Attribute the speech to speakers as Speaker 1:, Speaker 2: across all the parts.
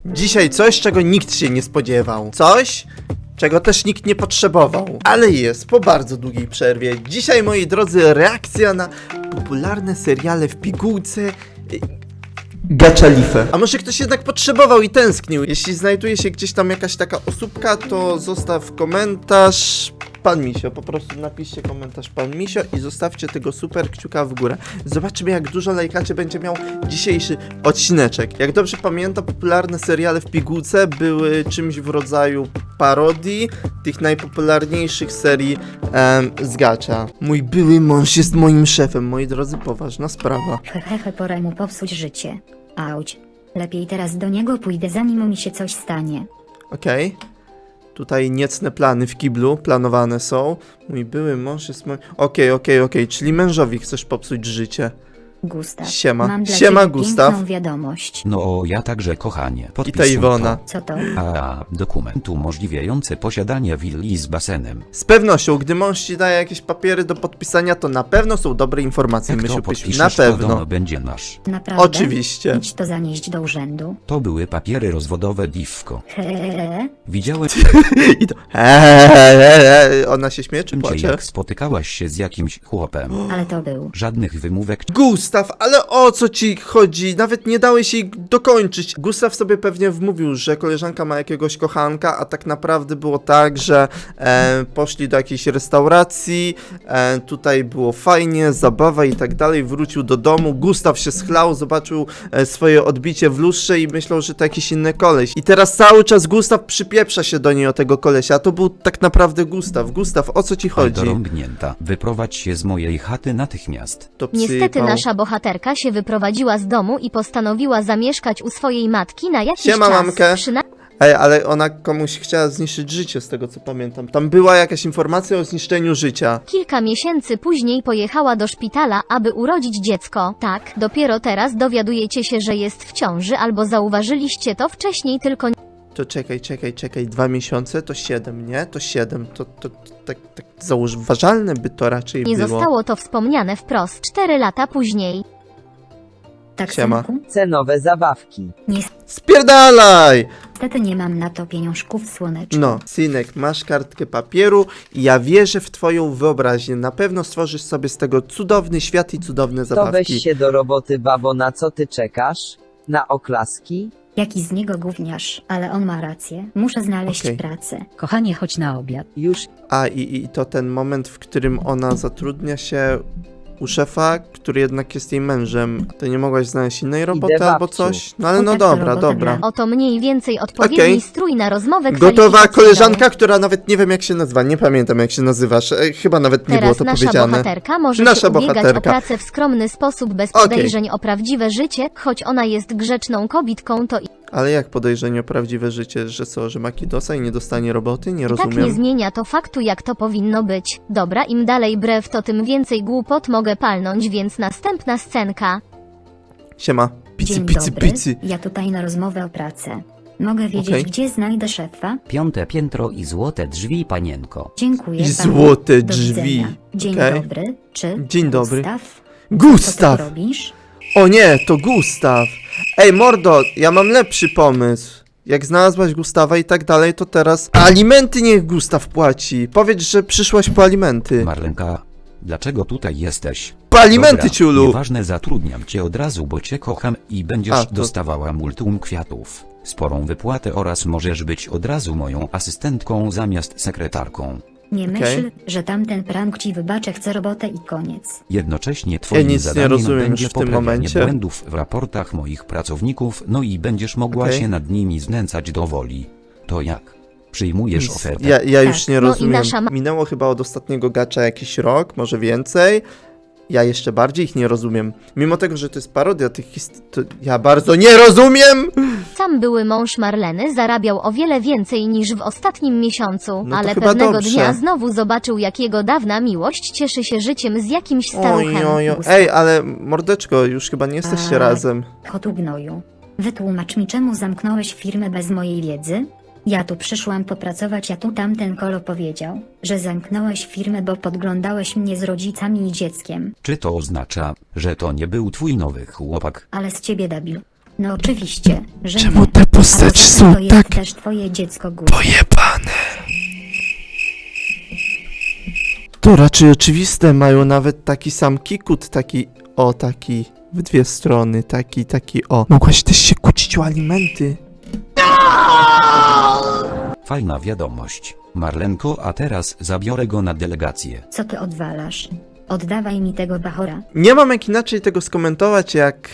Speaker 1: Dzisiaj coś, czego nikt się nie spodziewał. Coś, czego też nikt nie potrzebował. Ale jest, po bardzo długiej przerwie. Dzisiaj, moi drodzy, reakcja na popularne seriale w pigułce... Gaczalifę. A może ktoś jednak potrzebował i tęsknił? Jeśli znajduje się gdzieś tam jakaś taka osóbka, to zostaw komentarz... Pan Misio, po prostu napiszcie komentarz Pan Misio i zostawcie tego super kciuka w górę. Zobaczymy, jak dużo lajkaczy będzie miał dzisiejszy odcineczek. Jak dobrze pamiętam, popularne seriale w pigułce były czymś w rodzaju parodii tych najpopularniejszych serii z gacza. Mój były mąż jest moim szefem, moi drodzy, poważna sprawa.
Speaker 2: Hehehe, pora mu popsuć życie. Auć. Lepiej teraz do niego pójdę, zanim mi się coś stanie.
Speaker 1: Okej. Tutaj niecne plany w kiblu planowane są. Mój były mąż jest mój... Okej, czyli mężowi chcesz popsuć życie.
Speaker 2: Gustaw.
Speaker 1: Siema.
Speaker 2: Mam dla
Speaker 1: Siema,
Speaker 2: ciebie
Speaker 1: Gustaw.
Speaker 2: piękną wiadomość.
Speaker 3: No ja także, kochanie.
Speaker 1: I ta Iwona.
Speaker 2: Co to?
Speaker 3: Dokument umożliwiający posiadanie willi z basenem.
Speaker 1: Z pewnością, gdy mąż ci daje jakieś papiery do podpisania, to na pewno są dobre informacje,
Speaker 3: Jak to
Speaker 1: Mysiu Pysiu.
Speaker 3: podpiszesz,
Speaker 1: Na
Speaker 3: to
Speaker 1: pewno.
Speaker 3: dom będzie nasz.
Speaker 2: Naprawdę?
Speaker 1: Oczywiście.
Speaker 2: Idź to zanieść do urzędu.
Speaker 3: To były papiery rozwodowe, Divko.
Speaker 2: Hehehe.
Speaker 3: Widziałem
Speaker 1: I to... Ona się śmieje czy
Speaker 3: cię,
Speaker 1: płacze?
Speaker 3: jak spotykałaś się z jakimś chłopem.
Speaker 2: Ale to był.
Speaker 3: Żadnych wymówek.
Speaker 1: Gustaw, ale o co ci chodzi? Nawet nie dałeś jej dokończyć. Gustaw sobie pewnie wmówił, że koleżanka ma jakiegoś kochanka, a tak naprawdę było tak, że poszli do jakiejś restauracji, tutaj było fajnie, zabawa i tak dalej, wrócił do domu, Gustaw się schlał, zobaczył swoje odbicie w lustrze i myślał, że to jakiś inny koleś. I teraz cały czas Gustaw przypieprza się do niej o tego kolesia, a to był tak naprawdę Gustaw. Gustaw, o co ci chodzi?
Speaker 3: Dorąbnięta. Wyprowadź się z mojej chaty natychmiast.
Speaker 1: To
Speaker 4: Niestety
Speaker 1: psypał.
Speaker 4: nasza bohaterka się wyprowadziła z domu i postanowiła zamieszkać u swojej matki na jakiś
Speaker 1: Siema,
Speaker 4: czas.
Speaker 1: mamkę. Ej, ale ona komuś chciała zniszczyć życie, z tego co pamiętam. Tam była jakaś informacja o zniszczeniu życia.
Speaker 4: Kilka miesięcy później pojechała do szpitala, aby urodzić dziecko. Tak, dopiero teraz dowiadujecie się, że jest w ciąży, albo zauważyliście to wcześniej, tylko
Speaker 1: To czekaj, 2 miesiące to 7, nie? To 7, to tak zauważalne by to raczej
Speaker 4: nie
Speaker 1: było.
Speaker 4: zostało to wspomniane wprost 4 lata później.
Speaker 2: Tak,
Speaker 1: Siema.
Speaker 2: synku?
Speaker 5: Cenowe zabawki.
Speaker 1: Spierdalaj!
Speaker 2: Niestety nie mam na to pieniążków, słoneczko.
Speaker 1: No, synek, masz kartkę papieru i ja wierzę w twoją wyobraźnię. Na pewno stworzysz sobie z tego cudowny świat i cudowne
Speaker 5: To weź
Speaker 1: zabawki.
Speaker 5: się do roboty, babo, na co ty czekasz? Na oklaski?
Speaker 2: Jaki z niego gówniarz, ale on ma rację. Muszę znaleźć
Speaker 1: Okej.
Speaker 2: pracę.
Speaker 6: Kochanie, chodź na obiad.
Speaker 5: Już
Speaker 1: A i to ten moment, w którym ona zatrudnia się u szefa, który jednak jest jej mężem. To nie mogłaś znaleźć innej roboty albo
Speaker 5: babciu.
Speaker 1: coś? No ale
Speaker 2: O,
Speaker 1: no
Speaker 2: tak, to
Speaker 1: dobra,
Speaker 2: robota
Speaker 1: dobra.
Speaker 2: dla-
Speaker 4: Oto mniej więcej odpowiedni
Speaker 1: Okej.
Speaker 4: strój na rozmowę
Speaker 1: Gotowa
Speaker 4: kwalifikacyjną.
Speaker 1: koleżanka, która nawet nie wiem jak się nazywa, nie pamiętam jak się nazywasz, chyba nawet nie było
Speaker 4: Teraz
Speaker 1: to
Speaker 4: nasza
Speaker 1: powiedziane.
Speaker 4: bohaterka może
Speaker 1: Nasza
Speaker 4: się ubiegać
Speaker 1: bohaterka.
Speaker 4: o pracę w skromny sposób, bez
Speaker 1: Okej.
Speaker 4: podejrzeń o prawdziwe życie, choć ona jest grzeczną kobietką, to
Speaker 1: Ale jak podejrzenie o prawdziwe życie, że co, że ma kidosa i nie dostanie roboty? Nie
Speaker 4: i tak nie
Speaker 1: rozumiem.
Speaker 4: zmienia to faktu, jak to powinno być. Dobra, im dalej brew, to tym więcej głupot mogę palnąć, więc następna scenka.
Speaker 1: Siema, picy,
Speaker 2: Dzień
Speaker 1: picy,
Speaker 2: dobry.
Speaker 1: picy.
Speaker 2: Ja tutaj na rozmowę o pracę. Mogę wiedzieć,
Speaker 1: Okej.
Speaker 2: gdzie znajdę szefa?
Speaker 7: 5. piętro i złote drzwi, panienko.
Speaker 2: Dziękuję
Speaker 1: I
Speaker 2: panu.
Speaker 1: złote
Speaker 2: Do
Speaker 1: drzwi.
Speaker 2: widzenia. Dzień
Speaker 1: Okej.
Speaker 2: dobry. Czy
Speaker 1: Dzień dobry.
Speaker 2: Gustaw? Co
Speaker 1: Gustaw!
Speaker 2: ty tu robisz?
Speaker 1: O nie, to Gustaw. Ej, mordo, ja mam lepszy pomysł. Jak znalazłaś Gustawa i tak dalej, to teraz alimenty niech Gustaw płaci. Powiedz, że przyszłaś po alimenty.
Speaker 3: Marlenka, dlaczego tutaj jesteś?
Speaker 1: Po alimenty,
Speaker 3: Dobra,
Speaker 1: ciulu.
Speaker 3: Nieważne, zatrudniam cię od razu, bo cię kocham i będziesz
Speaker 1: A, to-
Speaker 3: dostawała multum kwiatów, sporą wypłatę oraz możesz być od razu moją asystentką zamiast sekretarką.
Speaker 2: Nie
Speaker 1: Okej.
Speaker 2: myśl, że tamten prank ci wybaczę, chcę robotę i koniec.
Speaker 3: Jednocześnie twoim
Speaker 1: nic nie
Speaker 3: zadaniem
Speaker 1: rozumiem
Speaker 3: będzie
Speaker 1: już w tym
Speaker 3: poprawianie
Speaker 1: momencie.
Speaker 3: błędów w raportach moich pracowników, no i będziesz mogła
Speaker 1: Okej.
Speaker 3: się nad nimi znęcać do woli. To jak? Przyjmujesz ofertę?
Speaker 1: Ja już nie
Speaker 4: No i
Speaker 1: rozumiem.
Speaker 4: nasza
Speaker 1: Minęło chyba od ostatniego gacza jakiś rok, może więcej. Ja jeszcze bardziej ich nie rozumiem. Mimo tego, że to jest parodia tych historii, to ja bardzo nie rozumiem!
Speaker 4: Sam były mąż Marleny zarabiał o wiele więcej niż w ostatnim miesiącu,
Speaker 1: No to
Speaker 4: ale
Speaker 1: chyba
Speaker 4: pewnego
Speaker 1: dobrze.
Speaker 4: dnia znowu zobaczył, jak jego dawna miłość cieszy się życiem z jakimś staruchem.
Speaker 1: Ej, ale mordeczko, już chyba nie jesteście
Speaker 2: A.
Speaker 1: razem.
Speaker 2: Kotu gnoju. Wytłumacz mi, czemu zamknąłeś firmę bez mojej wiedzy? Ja tu przyszłam popracować, a tu tamten kolo powiedział, że zamknąłeś firmę, bo podglądałeś mnie z rodzicami i dzieckiem.
Speaker 3: Czy to oznacza, że to nie był twój nowy chłopak?
Speaker 2: Ale z ciebie debil. No oczywiście, że
Speaker 1: Czemu
Speaker 2: nie.
Speaker 1: te
Speaker 2: A
Speaker 1: postacie
Speaker 2: poza
Speaker 1: są
Speaker 2: tym to jest
Speaker 1: tak
Speaker 2: też twoje dziecko Gus.
Speaker 1: pojebane? To raczej oczywiste, mają nawet taki sam kikut, taki w dwie strony, taki o. Mogłaś też się kłócić o alimenty.
Speaker 3: Fajna wiadomość. Marlenko, a teraz zabiorę go na delegację.
Speaker 2: Co ty odwalasz? Oddawaj mi tego bachora.
Speaker 1: Nie mam jak inaczej tego skomentować, jak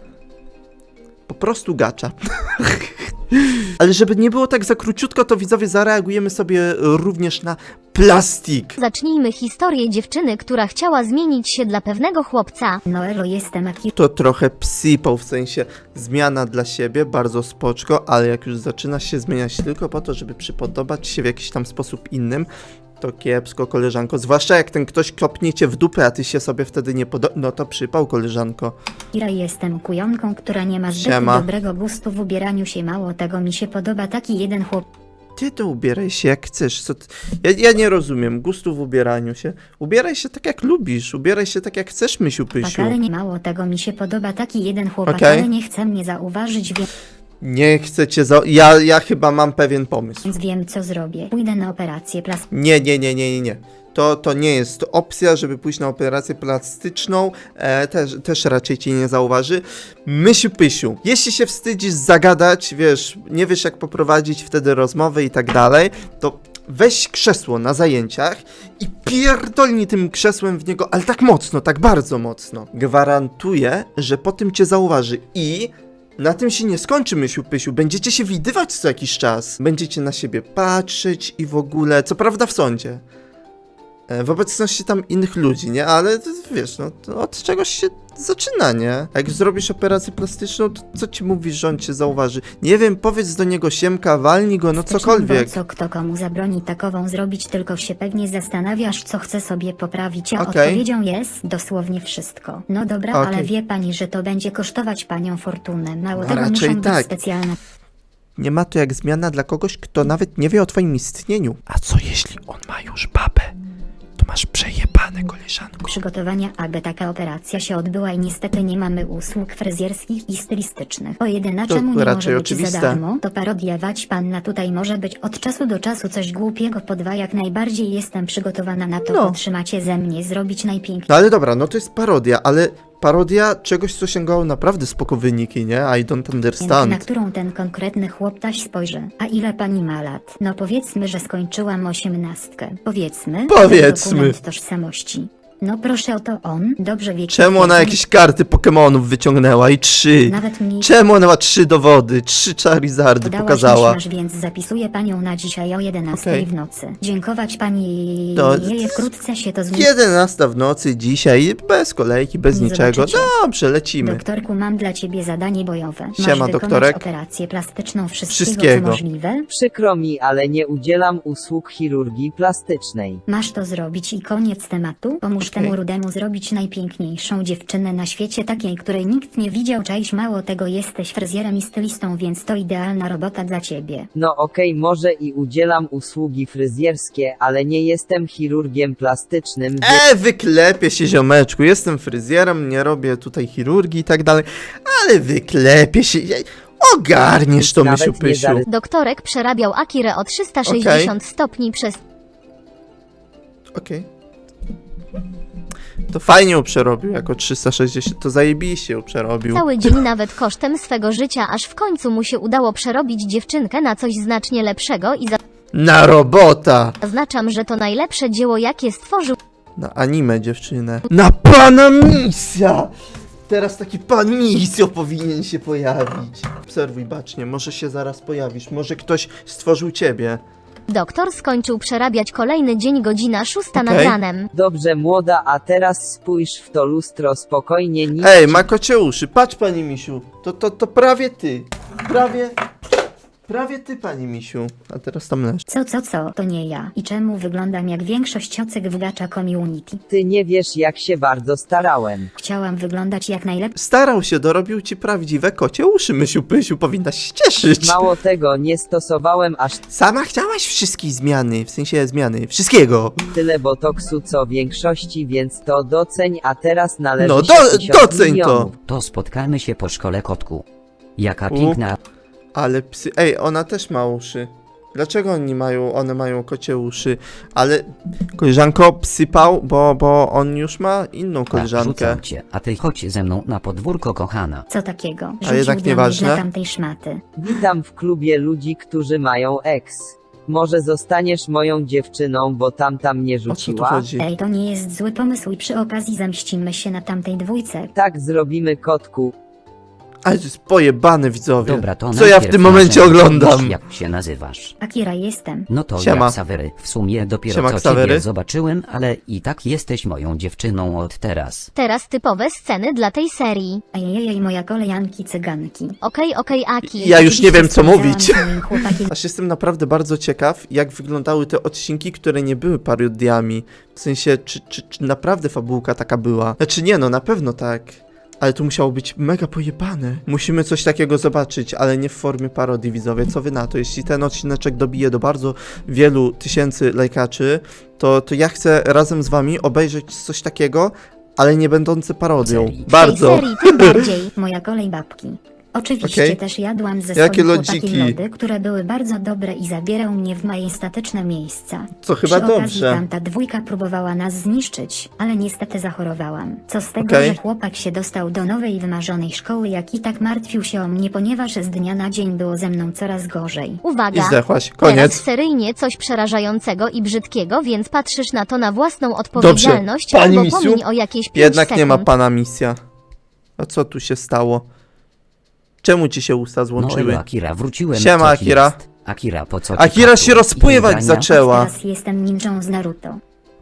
Speaker 1: po prostu gacza. Ale żeby nie było tak za króciutko, to widzowie zareagujemy sobie również na plastik.
Speaker 4: Zacznijmy historię dziewczyny, która chciała zmienić się dla pewnego chłopca.
Speaker 2: No elo, jestem Aki.
Speaker 1: To trochę psypał, w sensie zmiana dla siebie, bardzo spoczko, ale jak już zaczyna się zmieniać tylko po to, żeby przypodobać się w jakiś tam sposób innym, to kiepsko, koleżanko. Zwłaszcza jak ten ktoś kopnie cię w dupę, a ty się sobie wtedy nie podoba. No to przypał, koleżanko.
Speaker 2: Kira, jestem kujonką, która nie ma zbyt
Speaker 1: Siema.
Speaker 2: dobrego gustu w ubieraniu się. Mało tego, mi się podoba taki jeden chłop.
Speaker 1: Ty to ubieraj się jak chcesz. Co ty... ja nie rozumiem gustu w ubieraniu się. Ubieraj się tak jak lubisz. Ubieraj się tak jak chcesz, Mysiu Pysiu.
Speaker 2: Ale nie mało tego, mi się podoba taki jeden chłopak,
Speaker 1: Okej.
Speaker 2: ale nie chce mnie zauważyć,
Speaker 1: Nie chcę cię ja chyba mam pewien pomysł.
Speaker 2: więc wiem co zrobię. Pójdę na operację plastyczną.
Speaker 1: Nie. To nie jest opcja, żeby pójść na operację plastyczną. Też raczej cię nie zauważy. Mysiu Pysiu, jeśli się wstydzisz zagadać, wiesz, nie wiesz jak poprowadzić wtedy rozmowę i tak dalej, to weź krzesło na zajęciach i pierdolnij tym krzesłem w niego, ale tak mocno, tak bardzo mocno. Gwarantuję, że po tym cię zauważy i na tym się nie skończy, Mysiu Pysiu. Będziecie się widywać co jakiś czas. Będziecie na siebie patrzeć i w ogóle, co prawda w sądzie. W obecności tam innych ludzi, nie? Ale to, wiesz, no to od czegoś się zaczyna, nie? A jak zrobisz operację plastyczną, to co ci mówisz, że on cię zauważy? Nie wiem, powiedz do niego siemka, walnij go, no cokolwiek.
Speaker 2: Co kto komu zabroni takową zrobić, tylko się pewnie zastanawiasz, co chce sobie poprawić, a
Speaker 1: Okej.
Speaker 2: odpowiedzią jest dosłownie wszystko. No dobra,
Speaker 1: Okej.
Speaker 2: ale wie pani, że to będzie kosztować panią fortunę. Mało
Speaker 1: No
Speaker 2: tego,
Speaker 1: raczej
Speaker 2: muszą
Speaker 1: tak.
Speaker 2: być specjalne
Speaker 1: Nie ma to jak zmiana dla kogoś, kto nawet nie wie o twoim istnieniu. A co jeśli on ma już babę? To masz przejebane, koleżanko.
Speaker 2: przygotowania, aby taka operacja się odbyła i niestety nie mamy usług fryzjerskich i stylistycznych. O jedyne,
Speaker 1: To
Speaker 2: czemu nie
Speaker 1: raczej
Speaker 2: może być
Speaker 1: oczywiste.
Speaker 2: za darmo, to parodiować panna tutaj może być od czasu do czasu coś głupiego po dwa, jak najbardziej jestem przygotowana na to,
Speaker 1: No.
Speaker 2: otrzymacie ze mnie zrobić najpiękniejsze.
Speaker 1: No ale dobra, no to jest parodia, ale parodia czegoś, co sięgało naprawdę spoko wyniki, nie? I don't
Speaker 2: Na
Speaker 1: understand.
Speaker 2: którą ten konkretny chłoptaś spojrzy. A ile pani ma lat? No powiedzmy, że skończyłam 18. Powiedzmy.
Speaker 1: Powiedzmy.
Speaker 2: Dokument tożsamości. No proszę, oto on. Dobrze wie.
Speaker 1: Czemu ona jakieś karty Pokemonów wyciągnęła i 3?
Speaker 2: Nawet mniej.
Speaker 1: Czemu ona ma 3 dowody? 3 Charizardy
Speaker 2: Podałaś
Speaker 1: pokazała.
Speaker 2: masz, więc zapisuję panią na dzisiaj o 11
Speaker 1: Okej.
Speaker 2: w nocy. Dziękować pani.
Speaker 1: To-
Speaker 2: Wkrótce się to zmieni.
Speaker 1: 11 w nocy dzisiaj, bez kolejki, bez
Speaker 2: Nie
Speaker 1: niczego.
Speaker 2: zobaczycie.
Speaker 1: Dobrze, lecimy.
Speaker 2: Doktorku, mam dla ciebie zadanie bojowe. Masz
Speaker 1: Siema,
Speaker 2: wykonać
Speaker 1: doktorek.
Speaker 2: operację plastyczną wszystkiego,
Speaker 1: Wszystkiego.
Speaker 2: co możliwe.
Speaker 5: Przykro mi, ale nie udzielam usług chirurgii plastycznej.
Speaker 2: Masz to zrobić i koniec tematu. Pomóż
Speaker 1: Okej.
Speaker 2: temu rudemu zrobić najpiękniejszą dziewczynę na świecie, takiej, której nikt nie widział. Czaiś, mało tego, jesteś fryzjerem i stylistą, więc to idealna robota dla ciebie.
Speaker 5: No okej, może i udzielam usługi fryzjerskie, ale nie jestem chirurgiem plastycznym,
Speaker 1: Wyklepię się, ziomeczku. Jestem fryzjerem, nie robię tutaj chirurgii i tak dalej, ale wyklepię się. Ogarniesz to,
Speaker 5: Nawet
Speaker 1: Mysiu
Speaker 5: nie
Speaker 1: Pysiu.
Speaker 5: zarys-
Speaker 4: Doktorek przerabiał Akirę o 360 stopni przez
Speaker 1: Okej. To fajnie ją przerobił, jako 360, to zajebiście ją przerobił.
Speaker 4: cały dzień, nawet kosztem swego życia, aż w końcu mu się udało przerobić dziewczynkę na coś znacznie lepszego i
Speaker 1: Na robota!
Speaker 4: zaznaczam, że to najlepsze dzieło, jakie stworzył.
Speaker 1: Na anime, dziewczynę. Na pana misja! Teraz taki pan misjo powinien się pojawić. Obserwuj bacznie, może się zaraz pojawisz, może ktoś stworzył ciebie.
Speaker 4: Doktor skończył przerabiać kolejny dzień, godzina 6 nad
Speaker 1: Okej.
Speaker 4: ranem.
Speaker 5: Dobrze młoda, a teraz spójrz w to lustro spokojnie, nic
Speaker 1: Ej,
Speaker 5: ci-
Speaker 1: ma kocie uszy, patrz pani misiu. To prawie ty. Prawie ty, pani misiu. A teraz tam leż.
Speaker 2: Co? To nie ja. I czemu wyglądam jak większość ocek w Gacha Community?
Speaker 5: Ty nie wiesz jak się bardzo starałem.
Speaker 2: Chciałam wyglądać jak najlepiej.
Speaker 1: Starał się, dorobił ci prawdziwe kocie uszy, Mysiu Pysiu, powinnaś się cieszyć.
Speaker 5: Mało tego, nie stosowałem aż
Speaker 1: Sama chciałaś wszystkie zmiany, w sensie zmiany, wszystkiego.
Speaker 5: tyle botoksu co większości, więc to doceń, a teraz należy
Speaker 1: No,
Speaker 5: się 1000
Speaker 1: doceń to.
Speaker 5: milionów.
Speaker 7: To spotkamy się po szkole, kotku. Jaka piękna.
Speaker 1: Ale psy... Ej, ona też ma uszy. Dlaczego one mają kocie uszy? Ale koleżanko psypał, bo on już ma inną
Speaker 7: Tak,
Speaker 1: koleżankę.
Speaker 7: rzucam cię, a ty chodź ze mną na podwórko, kochana.
Speaker 2: Co takiego?
Speaker 1: A jednak
Speaker 2: Rzucił do mnie
Speaker 1: nieważne.
Speaker 2: dla tamtej szmaty.
Speaker 5: Witam w klubie ludzi, którzy mają ex. Może zostaniesz moją dziewczyną, bo tamta mnie
Speaker 1: O co tu
Speaker 5: rzuciła?
Speaker 1: chodzi?
Speaker 2: Ej, to nie jest zły pomysł i przy okazji zemścimy się na tamtej dwójce.
Speaker 5: Tak zrobimy, kotku.
Speaker 1: Ale to jest pojebane, widzowie.
Speaker 7: Dobra, to
Speaker 1: Co ja w
Speaker 7: najpierw
Speaker 1: tym momencie
Speaker 7: razem
Speaker 1: oglądam?
Speaker 7: powiedz, jak się nazywasz.
Speaker 2: Akira jestem.
Speaker 7: No to
Speaker 1: Siema.
Speaker 7: ja Ksawery. W sumie dopiero
Speaker 1: Siema,
Speaker 7: co
Speaker 1: Ksawery.
Speaker 7: ciebie zobaczyłem, ale i tak jesteś moją dziewczyną od teraz.
Speaker 4: Teraz typowe sceny dla tej serii.
Speaker 2: Ejejej, moja kolejanki cyganki.
Speaker 4: Okej, Aki.
Speaker 1: Ja już nie wiem, co
Speaker 2: Oczywiście
Speaker 1: mówić.
Speaker 2: spędzałam z moim chłopakiem
Speaker 1: Aż jestem naprawdę bardzo ciekaw, jak wyglądały te odcinki, które nie były parodiami. W sensie, czy naprawdę fabułka taka była? Znaczy nie, no na pewno tak. Ale to musiało być mega pojebane. Musimy coś takiego zobaczyć, ale nie w formie parodii, widzowie. Co wy na to? Jeśli ten odcineczek dobije do bardzo wielu tysięcy lajkaczy, to ja chcę razem z wami obejrzeć coś takiego, ale nie będące parodią.
Speaker 7: Serii.
Speaker 1: Bardzo.
Speaker 4: W tej serii tym bardziej.
Speaker 2: moja kolej babki. Oczywiście
Speaker 1: Okej.
Speaker 2: też jadłam ze
Speaker 1: Jakie
Speaker 2: swoim chłopakiem
Speaker 1: lodziki?
Speaker 2: lody, które były bardzo dobre i zabierał mnie w majestatyczne miejsca.
Speaker 1: Co chyba
Speaker 2: Przy okazji
Speaker 1: dobrze.
Speaker 2: tamta dwójka próbowała nas zniszczyć, ale niestety zachorowałam. Co z tego,
Speaker 1: Okej.
Speaker 2: że chłopak się dostał do nowej wymarzonej szkoły, jak i tak martwił się o mnie, ponieważ z dnia na dzień było ze mną coraz gorzej.
Speaker 1: I
Speaker 4: Uwaga.
Speaker 1: zdechłaś.
Speaker 4: Teraz
Speaker 1: Koniec.
Speaker 4: seryjnie coś przerażającego i brzydkiego, więc patrzysz na to na własną odpowiedzialność
Speaker 1: Pani
Speaker 4: albo
Speaker 1: Misiu?
Speaker 4: pomiń o jakieś 5
Speaker 1: Jednak
Speaker 4: sekund.
Speaker 1: nie ma pana misja. A co tu się stało? Czemu ci się usta
Speaker 7: No
Speaker 1: złączyły?
Speaker 7: elo, Akira, wróciłem.
Speaker 1: Siema,
Speaker 7: co ci
Speaker 1: Akira.
Speaker 7: jest? Akira, po co ci
Speaker 1: Akira
Speaker 7: kaptur
Speaker 1: się rozpływać
Speaker 7: i ubrania?
Speaker 1: zaczęła.
Speaker 2: Teraz jestem ninją z Naruto.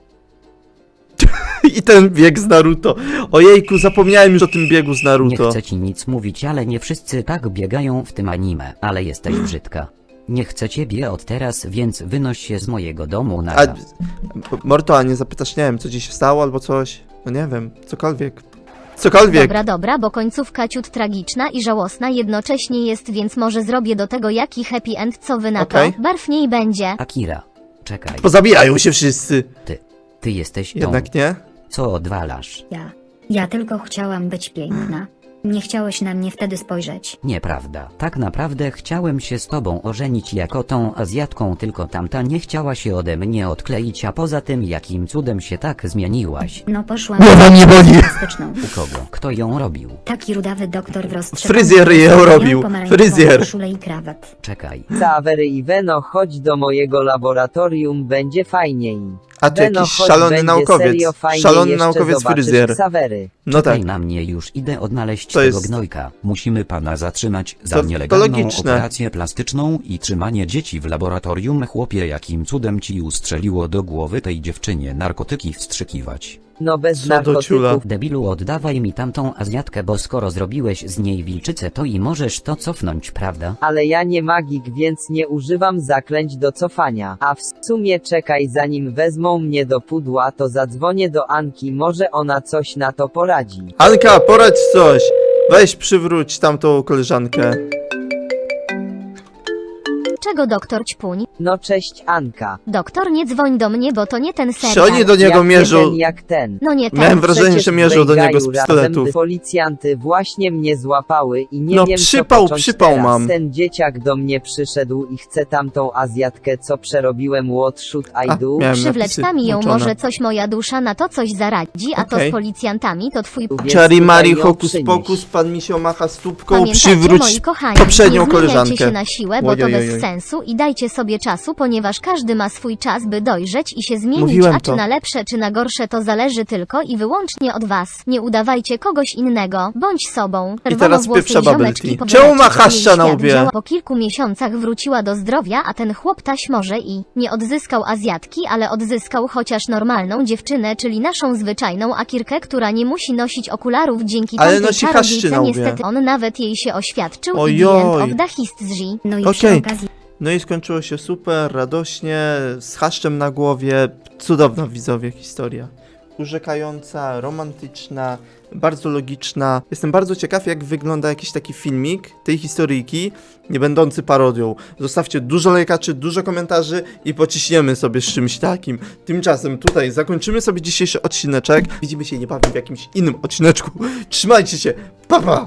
Speaker 1: I ten bieg z Naruto. Ojejku, zapomniałem już o tym biegu z
Speaker 7: Nie
Speaker 1: Naruto.
Speaker 7: chcę ci nic mówić, ale nie wszyscy tak biegają w tym anime, ale jesteś brzydka. Nie chcę ciebie od teraz, więc wynoś się z mojego domu na
Speaker 1: A, Morto, a nie zapytasz, nie wiem, co ci się stało albo coś? No nie wiem, cokolwiek. Cokolwiek.
Speaker 4: Dobra, bo końcówka ciut tragiczna i żałosna jednocześnie jest, więc może zrobię do tego jaki happy end, co wy na
Speaker 1: Okej.
Speaker 4: to? Barwniej będzie.
Speaker 7: Akira, czekaj,
Speaker 1: Pozabijają się wszyscy.
Speaker 7: ty jesteś tą,
Speaker 1: Jednak nie?
Speaker 7: co odwalasz.
Speaker 2: Ja tylko chciałam być piękna. Nie chciałeś na mnie wtedy spojrzeć.
Speaker 7: Nieprawda. Tak naprawdę chciałem się z tobą ożenić jako tą Azjatką, tylko tamta nie chciała się ode mnie odkleić, a poza tym jakim cudem się tak zmieniłaś?
Speaker 2: No poszłam
Speaker 1: Głowa mnie boli.
Speaker 2: plastyczną.
Speaker 7: U kogo? Kto ją robił?
Speaker 2: Taki rudawy doktor w roztrzepanym
Speaker 1: Fryzjer ją
Speaker 2: miał
Speaker 1: robił.
Speaker 2: pomarańczową
Speaker 1: Fryzjer.
Speaker 2: koszulę i krawat.
Speaker 7: Czekaj.
Speaker 5: Ksawery i Veno, chodź do mojego laboratorium, będzie fajniej.
Speaker 1: A to
Speaker 5: Veno,
Speaker 1: jakiś
Speaker 5: chodź,
Speaker 1: szalony
Speaker 5: będzie
Speaker 1: naukowiec.
Speaker 5: serio fajnie,
Speaker 1: Szalony
Speaker 5: jeszcze
Speaker 1: naukowiec
Speaker 5: zobaczysz
Speaker 1: fryzjer.
Speaker 5: Ksawery.
Speaker 1: No tak.
Speaker 7: Czekaj na mnie, już idę odnaleźć
Speaker 1: To
Speaker 7: tego
Speaker 1: jest-
Speaker 7: gnojka.
Speaker 3: Musimy pana zatrzymać za
Speaker 1: To
Speaker 3: nielegalną
Speaker 1: logiczne.
Speaker 3: operację plastyczną i trzymanie dzieci w laboratorium. Chłopie, jakim cudem ci ustrzeliło do głowy tej dziewczynie narkotyki wstrzykiwać?
Speaker 5: No bez
Speaker 1: Co do ciula.
Speaker 5: narkotyków.
Speaker 7: Debilu, oddawaj mi tamtą Azjatkę, bo skoro zrobiłeś z niej wilczycę, to i możesz to cofnąć, prawda?
Speaker 5: Ale ja nie magik, więc nie używam zaklęć do cofania. A w sumie czekaj, zanim wezmą mnie do pudła, to zadzwonię do Anki, może ona coś na to poradzi.
Speaker 1: Anka, poradź coś. Weź przywróć tamtą koleżankę.
Speaker 4: Czego doktor ćpuń?
Speaker 5: No cześć Anka.
Speaker 4: Doktor, nie dzwoń do mnie, bo to nie ten
Speaker 1: Czy
Speaker 4: serial.
Speaker 1: oni do niego
Speaker 5: jak
Speaker 1: mierzą?
Speaker 5: Jeden jak ten.
Speaker 4: No nie ten.
Speaker 1: Miałem wrażenie,
Speaker 5: Przecież
Speaker 1: że mierzą do niego z
Speaker 5: w Bejgaju
Speaker 1: pistoletów.
Speaker 5: razem Policjanty właśnie mnie złapały i nie
Speaker 1: No,
Speaker 5: wiem
Speaker 1: przypał,
Speaker 5: co począć
Speaker 1: przypał
Speaker 5: teraz.
Speaker 1: mam.
Speaker 5: Ten dzieciak do mnie przyszedł i chce tamtą Azjatkę, co przerobiłem, what should I do?
Speaker 1: miałem
Speaker 4: Przywlecz
Speaker 1: napisy
Speaker 4: tam ją,
Speaker 1: włączone.
Speaker 4: może coś moja dusza na to coś zaradzi, a to
Speaker 1: Okej.
Speaker 4: z policjantami to twój...
Speaker 5: Więc
Speaker 1: Czary
Speaker 5: tutaj
Speaker 1: Mari,
Speaker 5: ją
Speaker 1: hokus
Speaker 5: przynieś.
Speaker 1: pokus, pan Misio macha stópką,
Speaker 4: Pamiętajcie,
Speaker 1: przywróć
Speaker 4: moi kochani,
Speaker 1: poprzednią
Speaker 4: nie zmieniajcie
Speaker 1: koleżankę.
Speaker 4: się na siłę, bo to
Speaker 1: Ojojojoj.
Speaker 4: bez sensu i dajcie sobie czasu, ponieważ każdy ma swój czas, by dojrzeć i się zmienić,
Speaker 1: Mówiłem
Speaker 4: a
Speaker 1: to.
Speaker 4: czy na lepsze, czy na gorsze, to zależy tylko i wyłącznie od was. Nie udawajcie kogoś innego, bądź sobą.
Speaker 1: teraz pieprza bubble
Speaker 4: ziomeczki
Speaker 1: tea.
Speaker 4: powiadacie,
Speaker 1: Czemu ma
Speaker 4: że
Speaker 1: haszcza
Speaker 4: jej
Speaker 1: na
Speaker 4: świat
Speaker 1: łbie?
Speaker 4: działa. Po kilku miesiącach wróciła do zdrowia, a ten chłop taś może i nie odzyskał Azjatki, ale odzyskał chociaż normalną dziewczynę, czyli naszą zwyczajną Akirkę, która nie musi nosić okularów dzięki
Speaker 1: Ale
Speaker 4: tamtej
Speaker 1: nosi haszczy
Speaker 4: czarodziejce.
Speaker 1: na łbie.
Speaker 4: Niestety on nawet jej się oświadczył
Speaker 1: Ojoj.
Speaker 4: i the end of the history.
Speaker 2: No i
Speaker 1: Okej.
Speaker 2: przy okazji
Speaker 1: No i skończyło się super, radośnie, z haszczem na głowie. Cudowna, widzowie, historia. Urzekająca, romantyczna, bardzo logiczna. Jestem bardzo ciekaw, jak wygląda jakiś taki filmik tej historyjki, nie będący parodią. Zostawcie dużo lajkaczy, dużo komentarzy i pociśniemy sobie z czymś takim. Tymczasem tutaj zakończymy sobie dzisiejszy odcineczek. Widzimy się niebawem w jakimś innym odcineczku. Trzymajcie się, pa pa!